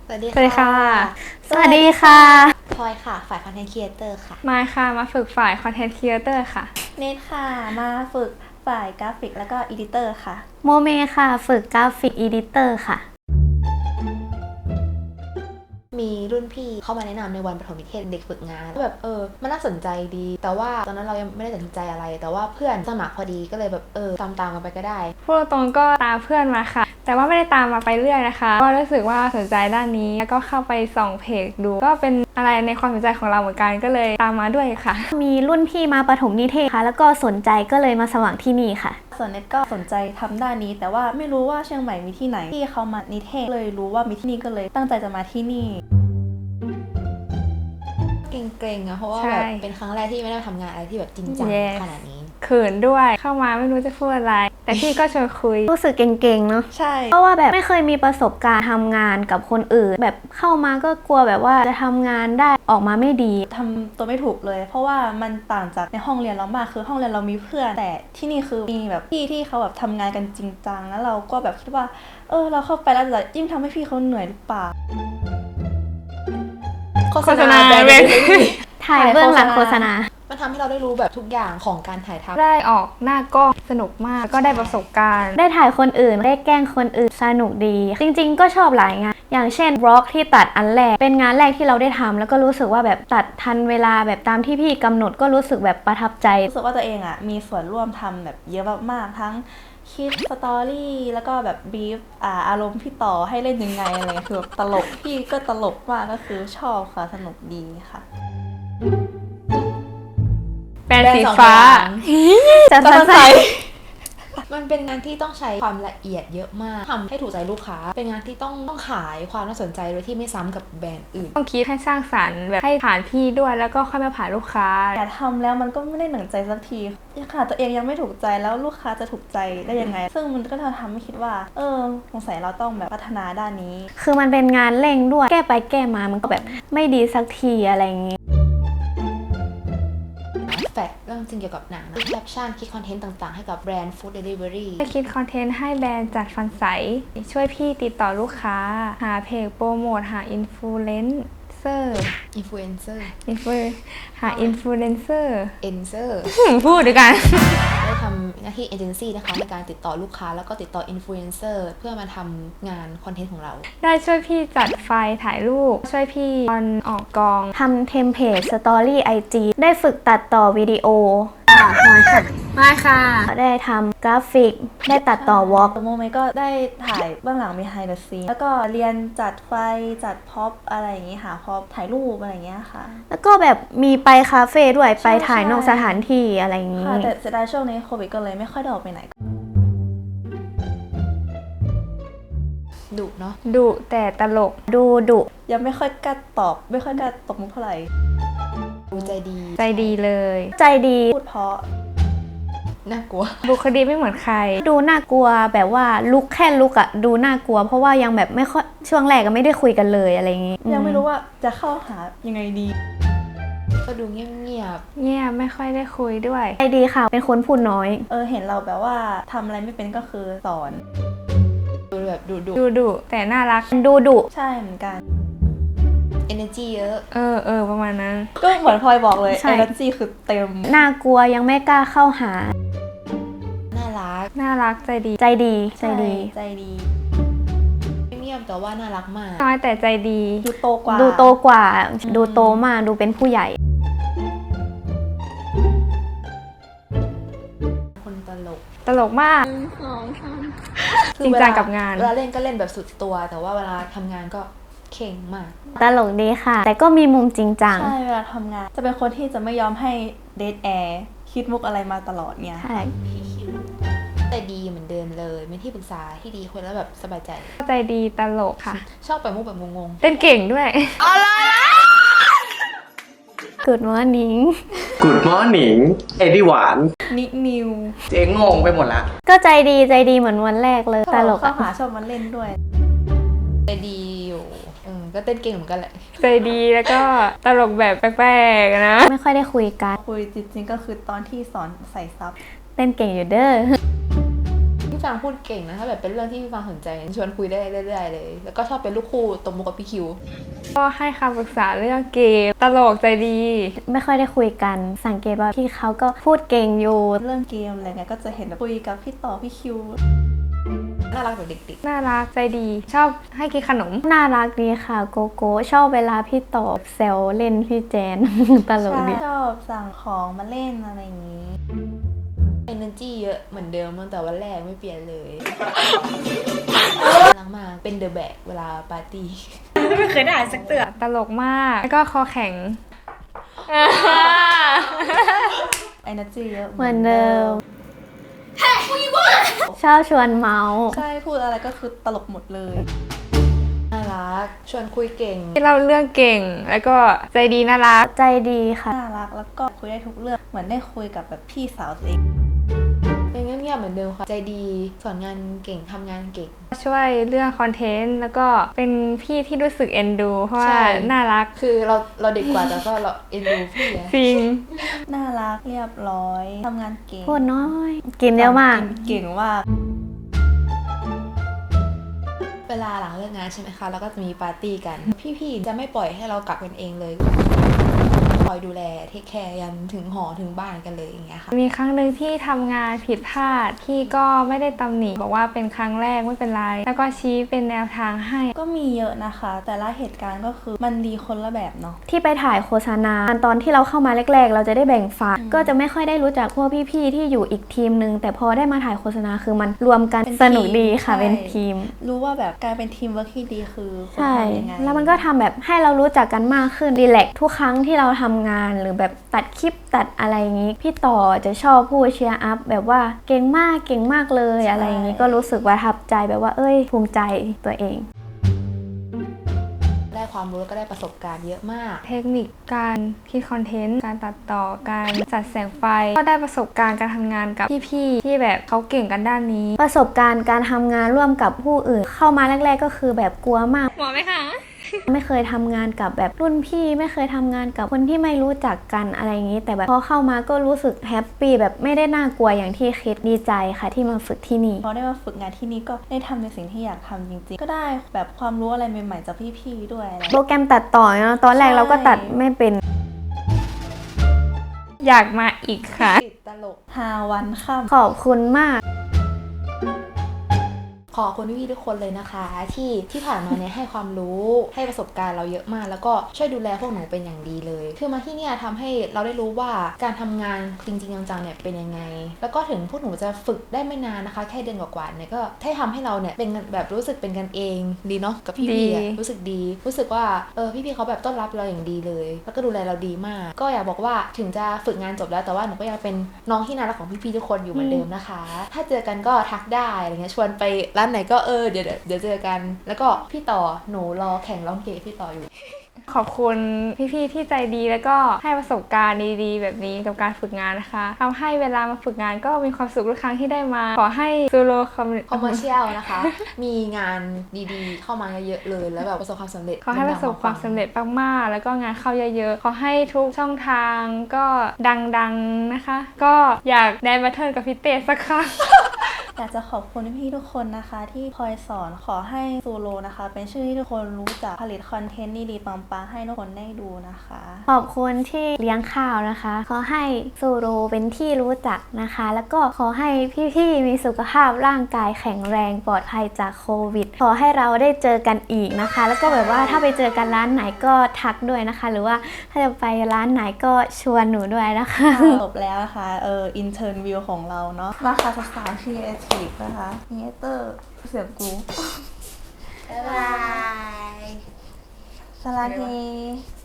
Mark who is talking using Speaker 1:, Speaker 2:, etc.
Speaker 1: สวัสดี
Speaker 2: สวัสดีค่ะ
Speaker 1: สวัสดีค่ะพลอยค่ะฝ่ายคอนเทนต์ครีเอเตอร์ค่ะ
Speaker 2: มายค่ะมาฝึกฝ่ายคอนเทนต์ครีเอเตอร์ค่ะ
Speaker 3: เนทค่ะมาฝึกฝ่ายกราฟิกแล้วก็อีดิเตอร์ค่ะ
Speaker 4: โมเมค่ะฝึกกราฟิกอีดิเตอร์ค่ะ
Speaker 1: มีรุ่นพี่เข้ามาแนะนำในวันประถมนิเทศเด็กฝึกงานแบบมันน่าสนใจดีแต่ว่าตอนนั้นเรายังไม่ได้ตัดสินใจอะไรแต่ว่าเพื่อนสมัครพอดีก็เลยแบบตามกันไปก็ได้
Speaker 2: พูดตรงก็ตามเพื่อนมาค่ะแต่ว่าไม่ได้ตามมาไปเรื่อยนะคะก็รู้สึกว่าสนใจด้านนี้แล้วก็เข้าไปส่องเพจดูก็เป็นอะไรในความสนใจของเราเหมือนกันก็เลยตามมาด้วยค่ะ
Speaker 4: มีรุ่นพี่มาประถมนิเทศค่ะแล้วก็สนใจก็เลยมาสมัครที่นี่ค่ะ
Speaker 3: ส่วนเนทก็สนใจทำด้านนี้แต่ว่าไม่รู้ว่าเชียงใหม่มีที่ไหนที่เขามานิเทศเลยรู้ว่ามีที่นี่ก็เลยตั้งใจจะมาที่นี่
Speaker 1: เกรงๆอะเพราะว่าแบบเป็นครั้งแรกที่ไม่ได้ทำงานอะไรที่แบบจริงจังขนาดนี้
Speaker 2: เขินด้วยเข้ามาไม่รู้จะพูดอะไรแต่พี่ก็ชวนคุย
Speaker 4: รู้สึกเก่งๆเนาะ
Speaker 3: ใช่
Speaker 4: เพราะว่าแบบไม่เคยมีประสบการณ์ทำงานกับคนอื่นแบบเข้ามาก็กลัวแบบว่าจะทำงานได้ออกมาไม่ดี
Speaker 3: ทำตัวไม่ถูกเลยเพราะว่ามันต่างจากในห้องเรียนเรามากคือห้องเรียนเรามีเพื่อนแต่ที่นี่คือมีแบบพี่ที่เขาแบบทำงานกันจริงจังแล้วเราก็แบบคิดว่าเราเข้าไปแล้วจะยิ่งทำให้พี่เขาเหนื่อยหรือเปล่า
Speaker 2: โฆษณา
Speaker 4: ถ่ายเบื้องหลังโฆษณา
Speaker 1: มันทำให้เราได้รู้แบบทุกอย่างของการถ่ายทำ
Speaker 2: ได้ออกหน้ากล้องสนุกมากก็ได้ประสบการณ์
Speaker 4: ได้ถ่ายคนอื่นได้แกล้งคนอื่นสนุกดีจริงๆก็ชอบหลายงานอย่างเช่นบล็อกที่ตัดอันแรกเป็นงานแรกที่เราได้ทำแล้วก็รู้สึกว่าแบบตัดทันเวลาแบบตามที่พี่กำหนดก็รู้สึกแบบประทับใจ
Speaker 3: รู้สึกว่าตัวเองมีส่วนร่วมทำแบบเยอะมากๆทั้งคิดสตอรี่แล้วก็แบบบีฟอารมณ์พี่ต่อให้เล่นยังไงอะไรคือแบบตลกพี่ก็ตลกมากก็คือชอบค่ะสนุกดีค่ะ
Speaker 2: แปรงสีฟ้า
Speaker 4: จะใส่
Speaker 1: มันเป็นงานที่ต้องใช้ความละเอียดเยอะมากทำให้ถูกใจลูกค้าเป็นงานที่ต้องขายความน่าสนใจโดยที่ไม่ซ้ำกับแบรนด์อื่น
Speaker 2: ต้องคิดให้สร้างสรรค์แบบให้ผ่านพี่ด้วยแล้วก็ค่อยมาผ่านลูกค้า
Speaker 3: แต่ทำแล้วมันก็ไม่ได้หนังใจสักทีค่ะตัวเองยังไม่ถูกใจแล้วลูกค้าจะถูกใจได้ยังไงซึ่งมันก็ทำให้คิดว่าสงสัยเราต้องแบบพัฒนาด้านนี้
Speaker 4: คือมันเป็นงานเร่งด้วยแก้ไปแก้มามันก็แบบไม่ดีสักทีอะไรอย่างงี้
Speaker 1: แฟกเรื่องจริงเกี่ยวกับหนังแคปชั่นคิดคอนเทนต์ต่างๆให้กับแบรนด์ฟู้ดเดลิเวอรี่
Speaker 2: คิดคอนเทนต์ให้แบรนด์จัดฟันใสช่วยพี่ติดต่อลูกค้าหาเพจโปรโมทหาอินฟลูเอนเซอร์หาอินฟลูเอนเซอร์พูดด้วยกัน
Speaker 1: ได้ทำหน้าที่เอเจนซี่นะคะในการติดต่อลูกค้าแล้วก็ติดต่ออินฟลูเอนเซอร์เพื่อมาทำงานคอนเทนต์ของเรา
Speaker 2: ได้ช่วยพี่จัดไฟล์ถ่ายรูปช่วยพี่ตอนออกกอง
Speaker 4: ทำเทมเพลตสตอรี่ IG ได้ฝึกตัดต่อวิดีโอ
Speaker 2: มาค่ะ
Speaker 4: ได้ทำกราฟิกได้ตัดต่อวอล์ก
Speaker 3: โมเมก็ได้ถ่ายเบื้องหลัง behind the scene แล้วก็เรียนจัดไฟจัดพ็อปอะไรอย่างงี้หาพ็อปถ่ายรูปอะไรอย่างเงี้ยค่ะ
Speaker 4: แล้วก็แบบมีไปคาเฟ่ด้วยไปถ่ายนอกสถานที่อะไรอย่างงี้
Speaker 3: แต่เสียดายช่วงนี้โควิดก็เลยไม่ค่อยได้ออกไปไหน
Speaker 1: ดุเนาะ
Speaker 2: ดุแต่ตลก
Speaker 4: ดุ
Speaker 3: ยังไม่ค่อยกล้าตอบไม่ค่อยกล้าตบมุกเท่าไหร่
Speaker 1: ดูใจ
Speaker 2: ดีเลย
Speaker 4: ใจดี
Speaker 3: พูดเพราะ
Speaker 1: น่ากลัว
Speaker 2: บุคลิกไม่เหมือนใคร
Speaker 4: ดูน่ากลัวแบบว่าแค่ลุกอะดูน่ากลัวเพราะว่ายังแบบไม่ค่อยช่วงแรกก็ไม่ได้คุยกันเลยอะไรอย่างงี้
Speaker 3: ยังไม่รู้ว่าจะเข้าหายังไงดี
Speaker 1: ก็ดูเงียบ
Speaker 2: ไม่ค่อยได้คุยด้วย
Speaker 4: ใจดีค่ะเป็นคนพูดน้อย
Speaker 3: เห็นเราแบบว่าทำอะไรไม่เป็นก็คือสอน
Speaker 1: ดูแบบ
Speaker 2: ดุแต่น่ารัก
Speaker 4: ดุ
Speaker 3: ใช่เหมือนกัน
Speaker 1: energy เยอะ
Speaker 2: ประมาณนั้น
Speaker 3: ก็เหมือนพลอยบอกเลย energy คือเต็ม
Speaker 4: น่ากลัวยังไม่กล้าเข้าหา
Speaker 2: น่ารักใจดี
Speaker 4: เ
Speaker 1: งียบแต่ว่าน่ารักมาก
Speaker 2: น้อยแต่ใจดี
Speaker 4: ดูโตกว่าดูโตมากดูเป็นผู้ใหญ่
Speaker 1: คน
Speaker 2: ตลกมากจริงจังกับงาน
Speaker 1: เวลาเล่นก็เล่นแบบสุดตัวแต่ว่าเวลาทำงานก็เข่งมาก
Speaker 4: ตลกดีค่ะแต่ก็มีมุมจริงจัง
Speaker 3: ใช่เวลาทำงานจะเป็นคนที่จะไม่ยอมให้เดทแอร์คิดมุกอะไรมาตลอดเนี่ย
Speaker 4: ใช่
Speaker 1: ใจดีเหมือนเดิมเลยเป็นที่ปรึกษาที่ดีคนแล้วแบบสบายใจ
Speaker 2: ดีตลกค่ะ
Speaker 1: ชอบปล่อยมุกแบบงง
Speaker 2: เต้นเก่งด้วย
Speaker 4: Good morning
Speaker 5: เอ็ดดี้หวาน
Speaker 3: นิว
Speaker 5: เจ๊งงไปหมดละ
Speaker 4: ก็ใจดีเหมือนวันแรกเลยตลก
Speaker 3: เข้าหาชอบมาเล่นด้วย
Speaker 1: ใจดีอยู่ก็เต้นเก่งเหมือนกันแหละ
Speaker 2: ใจดีแล้วก็ตลกแบบแปลกๆนะ
Speaker 4: ไม่ค่อยได้คุยกัน
Speaker 3: คุยจริงๆก็คือตอนที่สอนใส่ซับ
Speaker 4: เต้นเก่งอยู่เด้อ
Speaker 1: ฟังพูดเก่งนะถ้าแบบเป็นเรื่องที่พี่ฟังสนใจชวนคุยได้เรื่อยๆเลยแล้วก็ชอบเป็นลูกคู่ตบมุกกับพี่คิว
Speaker 2: ก็ให้คำปรึกษาเรื่องเกมตลกใจดี
Speaker 4: ไม่ค่อยได้คุยกันสังเกตว่าพี่เขาก็พูดเก่งอยู่
Speaker 3: เรื่องเกมอะไรเงี้ยก็จะเห็นแบบคุยกับพี่ต่อพี่คิว
Speaker 1: น่ารักแบบเด็ก
Speaker 2: น่ารักใจดี ชอบให้กินขนม
Speaker 4: น่ารักดีค่ะโกโก้ชอบเวลาพี่ต่อแซวเล่นพี่แจน ตลก
Speaker 3: ใช่
Speaker 4: ดี
Speaker 3: ชอบสั่งของมาเล่นอะไรอย่างนี้
Speaker 1: ๆ energy เยอะเหมือนเดิมตั้งแต่วันแรกไม่เปลี่ยนเลยน่ารักมากเป็นเดอะแบกเวลาปาร์ตี้
Speaker 2: ตลกมาก แล้วก็คอแข็ง
Speaker 3: energy เยอะ
Speaker 4: เหมือนเดิมชอบชวนเมาส์
Speaker 3: ใช่พูดอะไรก็คือตลกหมดเลย
Speaker 1: น่ารักชวนคุยเก่ง
Speaker 2: ที่เล่าเรื่องเก่ง แล้วก็ใจดีน่ารัก
Speaker 4: ใจดีค่ะ
Speaker 3: น่ารักแล้วก็คุยได้ทุกเรื่องเหมือนได้คุยกับแบบพี่สาวตัวเอง
Speaker 1: เป็นเงียบๆเหมือนเดิมค่ะใจดีสอนงานเก่งทำงานเก่ง
Speaker 2: ช่วยเรื่องคอนเทนต์ แล้วก็เป็นพี่ที่รู้สึกเอ็นดู เพราะว่า
Speaker 1: ใช่
Speaker 2: น่ารัก
Speaker 1: คือเราเด็กกว่าแต่ก็เราเอ็นดูพี่อะ
Speaker 2: จริง
Speaker 3: น่ารักเรียบร้อยทำงานเก่ง
Speaker 4: พูดน้อย กินเยอะมาก
Speaker 3: เก่งมาก
Speaker 1: เวลาหลังเลิกงานใช่ไหมคะแล้วก็จะมีปาร์ตี้กัน พี่ๆจะไม่ปล่อยให้เรากลับกันเองเลยคอยดูแลเทคแคร์ยันถึงหอถึงบ้านกันเลยอย่างเงี้ยค่ะ
Speaker 2: มีครั้งหนึ่งที่ทำงานผิดพลาดพี่ก็ไม่ได้ตำหนิบอกว่าเป็นครั้งแรกไม่เป็นไร แล้วก็ชี้เป็นแนวทางให้
Speaker 3: ก็มีเยอะนะคะ แต่ละเหตุการณ์ก็คือมันดีคนละแบบเนาะ
Speaker 4: ที่ไปถ่ายโฆษณาตอนที่เราเข้ามาแรกๆ เราจะได้แบ่งฝ่ายก็จะไม่ค่อยได้รู้จักพวกพี่ๆที่อยู่อีกทีมนึงแต่พอได้มาถ่ายโฆษณาคือมันรวมกัน
Speaker 3: เป็น
Speaker 4: สนุกดีค่ะ
Speaker 3: ใช่
Speaker 4: เป็นทีม
Speaker 3: รู้ว่าแบบการเป็นทีมเวิร์คที่ดีคือคน
Speaker 4: ใช่
Speaker 3: ทำยังไง
Speaker 4: แล้วมันก็ทำแบบให้เรารู้จักกันมากขึ้นรีแลกซ์ทุกครั้งที่เราทำงานหรือแบบตัดคลิปตัดอะไรอย่างนี้ พี่ต่อจะชอบพูดเชียร์อัพแบบว่าเก่งมากเลยอะไรอย่างนี้ก็รู้สึกประทับใจแบบว่าเอ้ยภูมิใจตัวเอง
Speaker 1: ได้ความรู้แล้วก็ได้ประสบการณ์เยอะมาก
Speaker 2: เทคนิคการคิดคอนเทนต์ การตัดต่อ การจัดแสงไฟ ก็ได้ประสบการณ์การทำงานกับพี่ๆที่แบบเขาเก่งกันด้านนี้
Speaker 4: ประสบการณ์การทำงานร่วมกับผู้อื่น เข้ามาแรกๆก็คือแบบกลัวมาก
Speaker 2: หมอไหมคะ
Speaker 4: ไม่เคยทำงานกับแบบรุ่นพี่ไม่เคยทำงานกับคนที่ไม่รู้จักกันอะไรอย่างนี้ แต่แบบพอเข้ามาก็รู้สึกแฮปปี้แบบไม่ได้น่ากลัวอย่างที่คิดดีใจค่ะที่มาฝึกที่นี่
Speaker 3: พอได้มาฝึกงานที่นี่ก็ได้ทำในสิ่งที่อยากทำจริงๆ ก็ได้แบบความรู้อะไรใหม่ๆจากพี่ๆด้วยอะไร
Speaker 4: โปรแกรมตัดต่อเนาะตอนแรกเราก็ตัดไม่เป็น
Speaker 2: อยากมาอีกค่ะ
Speaker 1: ติดตลก
Speaker 3: 5 วันค่ำ
Speaker 4: ขอบคุณมาก
Speaker 1: ขอบคุณพี่ๆทุกคนเลยนะคะ ที่ผ่านมาเนี่ยให้ความรู้ให้ประสบการณ์เราเยอะมาก แล้วก็ช่วยดูแลพวกหนูเป็นอย่างดีเลย คือมาที่เนี่ยทำให้เราได้รู้ว่าการทำงานจริงๆจังๆเนี่ยเป็นยังไง แล้วก็ถึงพวกหนูจะฝึกได้ไม่นานนะคะ แค่เดือนกว่าๆเนี่ยก็ให้ทำให้เราเนี่ยเป็นแบบรู้สึกเป็นกันเองดีเนาะกับพี่ๆอะ
Speaker 2: ดี
Speaker 1: รู้สึกดี รู้สึกว่าพี่ๆเขาแบบต้อนรับเราอย่างดีเลย แล้วก็ดูแลเราดีมาก ก็อยากบอกว่าถึงจะฝึกงานจบแล้วแต่ว่าหนูก็ยังเป็นน้องที่น่ารักของพี่ๆทุกคนอยู่เหมือนเดิมนะคะ ถ้าเจอกันก็ทักได้อะไรเงี้ยชวนไปร้านไหนก็เดี๋ยวเจอกัน แล้วก็พี่ต่อหนูรอแข่งร้องเกย์พี่ต่ออยู่
Speaker 2: ขอบคุณพี่ๆที่ใจดีแล้วก็ให้ประสบการณ์ดีๆแบบนี้กับการฝึกงานนะคะทำให้เวลามาฝึกงานก็มีความสุขทุกครั้งที่ได้มา ขอให้ซูโรคอม
Speaker 1: คอมเมอร์เชียลนะคะ มีงานดีๆ เข้ามาเยอะๆเลย แล้วแบบประสบความสำเร็จ
Speaker 2: ขอให้ประสบความสำเร็จมากๆแล้วก็งานเข้าเยอะๆ ขอให้ทุกช่องทางก็ดังๆนะคะ ก็อยากได้บัตเทิลกับพี่เต้สักครั้ง
Speaker 3: อยากจะขอบคุณพี่ๆทุกคนนะคะ ที่คอยสอนขอให้ซูโรนะคะ เป็นชื่อที่ทุกคนรู้จักผลิตคอนเทนต์ดีๆปังๆให้ทุกคนได้ดูนะคะ
Speaker 4: ขอบคุณที่เลี้ยงข้าวนะคะ ขอให้ซูโรเป็นที่รู้จักนะคะ แล้วก็ขอให้พี่ๆมีสุขภาพร่างกายแข็งแรงปลอดภัยจากโควิด ขอให้เราได้เจอกันอีกนะคะ แล้วก็แบบว่าถ้าไปเจอกันร้านไหนก็ทักด้วยนะคะ หรือว่าถ้าจะไปร้านไหนก็ชวนหนูด้วยนะคะ
Speaker 3: จบแล้วนะคะอินเทอร์วิวของเราเนาะมาค่ะสาวๆครีเอทีฟนะคะเนเตอร์เสียงกู
Speaker 1: บ๊ายบาย
Speaker 3: สลาเฮ